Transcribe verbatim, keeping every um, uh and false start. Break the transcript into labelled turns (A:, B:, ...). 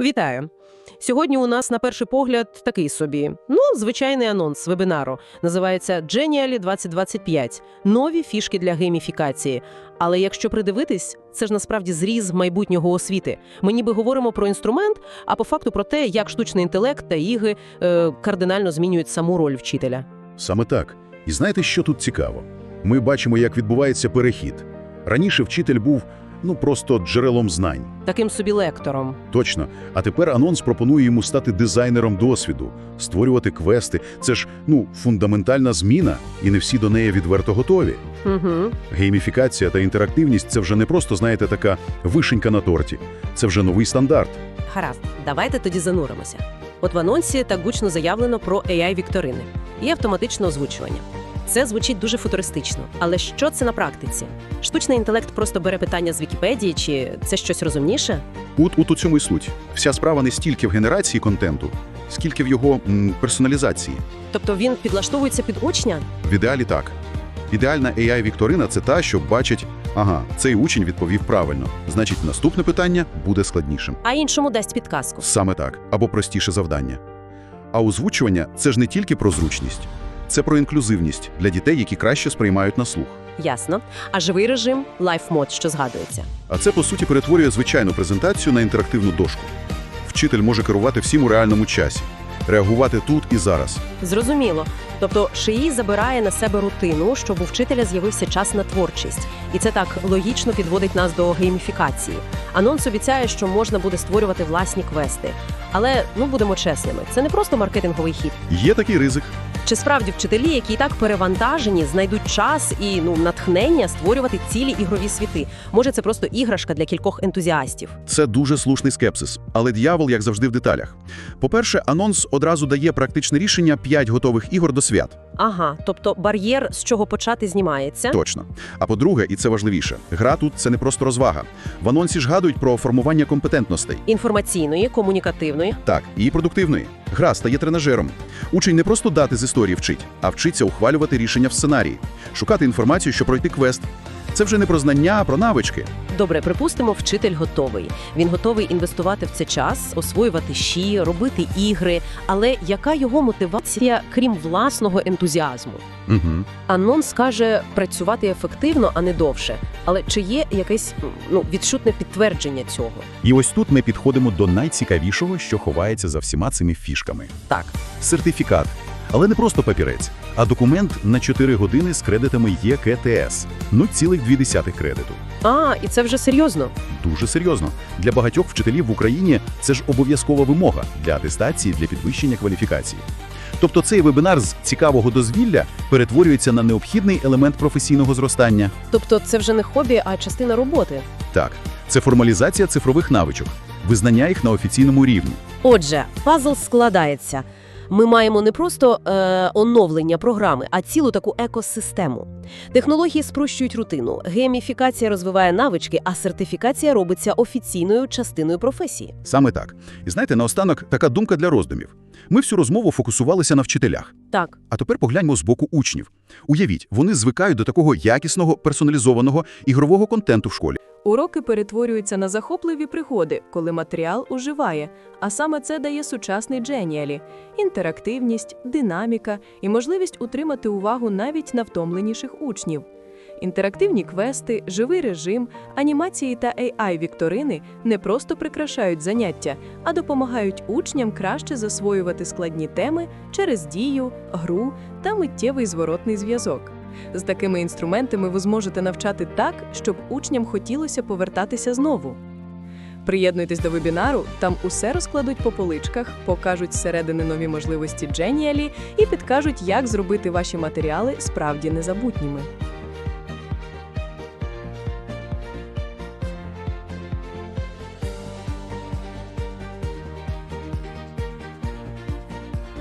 A: Вітаю! Сьогодні у нас, на перший погляд, такий собі, ну, звичайний анонс вебінару. Називається Genially двадцять двадцять п'ять – нові фішки для гейміфікації. Але якщо придивитись, це ж насправді зріз майбутнього освіти. Ми ніби говоримо про інструмент, а по факту про те, як штучний інтелект та ігри е, кардинально змінюють саму роль вчителя.
B: Саме так. І знаєте, що тут цікаво? Ми бачимо, як відбувається перехід. Раніше вчитель був, ну, просто джерелом знань.
A: Таким собі лектором.
B: Точно. А тепер анонс пропонує йому стати дизайнером досвіду, створювати квести. Це ж, ну, фундаментальна зміна, і не всі до неї відверто готові.
A: Угу.
B: Гейміфікація та інтерактивність – це вже не просто, знаєте, така вишенька на торті. Це вже новий стандарт.
A: Гаразд, давайте тоді зануримося. От в анонсі так гучно заявлено про ей ай-вікторини і автоматичне озвучування. Це звучить дуже футуристично. Але що це на практиці? Штучний інтелект просто бере питання з Вікіпедії, чи це щось розумніше?
B: От, от у цьому і суть. Вся справа не стільки в генерації контенту, скільки в його м, персоналізації.
A: Тобто він підлаштовується під учня?
B: В ідеалі так. Ідеальна ей ай-вікторина – це та, що бачить, ага, цей учень відповів правильно, значить наступне питання буде складнішим.
A: А іншому дасть підказку.
B: Саме так, або простіше завдання. А озвучування – це ж не тільки про зручність. Це про інклюзивність для дітей, які краще сприймають на слух.
A: Ясно. А живий режим – лайф-мод, що згадується.
B: А це, по суті, перетворює звичайну презентацію на інтерактивну дошку. Вчитель може керувати всім у реальному часі, реагувати тут і зараз.
A: Зрозуміло. Тобто ШІ забирає на себе рутину, щоб у вчителя з'явився час на творчість. І це так логічно підводить нас до гейміфікації. Анонс обіцяє, що можна буде створювати власні квести. Але, ну, будемо чесними, це не просто маркетинговий хід.
B: Є такий ризик.
A: Чи справді вчителі, які і так перевантажені, знайдуть час і, ну, натхнення створювати цілі ігрові світи? Може, це просто іграшка для кількох ентузіастів?
B: Це дуже слушний скепсис. Але дьявол, як завжди, в деталях. По-перше, анонс одразу дає практичне рішення п'ять готових ігор до свят.
A: Ага, тобто бар'єр, з чого почати, знімається?
B: Точно. А по-друге, і це важливіше, гра тут – це не просто розвага. В анонсі ж гадують про формування компетентностей.
A: Інформаційної, комунікативної.
B: Так, і продуктивної. Гра стає тренажером. Учень не просто дати з історії вчить, а вчиться ухвалювати рішення в сценарії, шукати інформацію, щоб пройти квест. Це вже не про знання, а про навички.
A: Добре, припустимо, вчитель готовий. Він готовий інвестувати в це час, освоювати щі, робити ігри. Але яка його мотивація, крім власного ентузіазму?
B: Угу.
A: Анонс каже працювати ефективно, а не довше. Але чи є якесь, ну, відчутне підтвердження цього?
B: І ось тут ми підходимо до найцікавішого, що ховається за всіма цими фішками.
A: Так.
B: Сертифікат. Але не просто папірець, а документ на чотири години з кредитами є ке те ес. нуль цілих дві десятих кредиту.
A: А, і це вже серйозно?
B: Дуже серйозно. Для багатьох вчителів в Україні це ж обов'язкова вимога для атестації, для підвищення кваліфікації. Тобто цей вебінар з цікавого дозвілля перетворюється на необхідний елемент професійного зростання.
A: Тобто це вже не хобі, а частина роботи?
B: Так, це формалізація цифрових навичок, визнання їх на офіційному рівні.
A: Отже, пазл складається. Ми маємо не просто е, оновлення програми, а цілу таку екосистему. Технології спрощують рутину, гейміфікація розвиває навички, а сертифікація робиться офіційною частиною професії.
B: Саме так. І знаєте, наостанок така думка для роздумів. Ми всю розмову фокусувалися на вчителях.
A: Так.
B: А тепер погляньмо з боку учнів. Уявіть, вони звикають до такого якісного, персоналізованого ігрового контенту в школі.
C: Уроки перетворюються на захопливі пригоди, коли матеріал оживає, а саме це дає сучасний Genially – інтерактивність, динаміка і можливість утримати увагу навіть на втомленіших учнів. Інтерактивні квести, живий режим, анімації та ей ай-вікторини не просто прикрашають заняття, а допомагають учням краще засвоювати складні теми через дію, гру та миттєвий зворотний зв'язок. З такими інструментами ви зможете навчати так, щоб учням хотілося повертатися знову. Приєднуйтесь до вебінару, там усе розкладуть по поличках, покажуть зсередини нові можливості Genially і підкажуть, як зробити ваші матеріали справді незабутніми.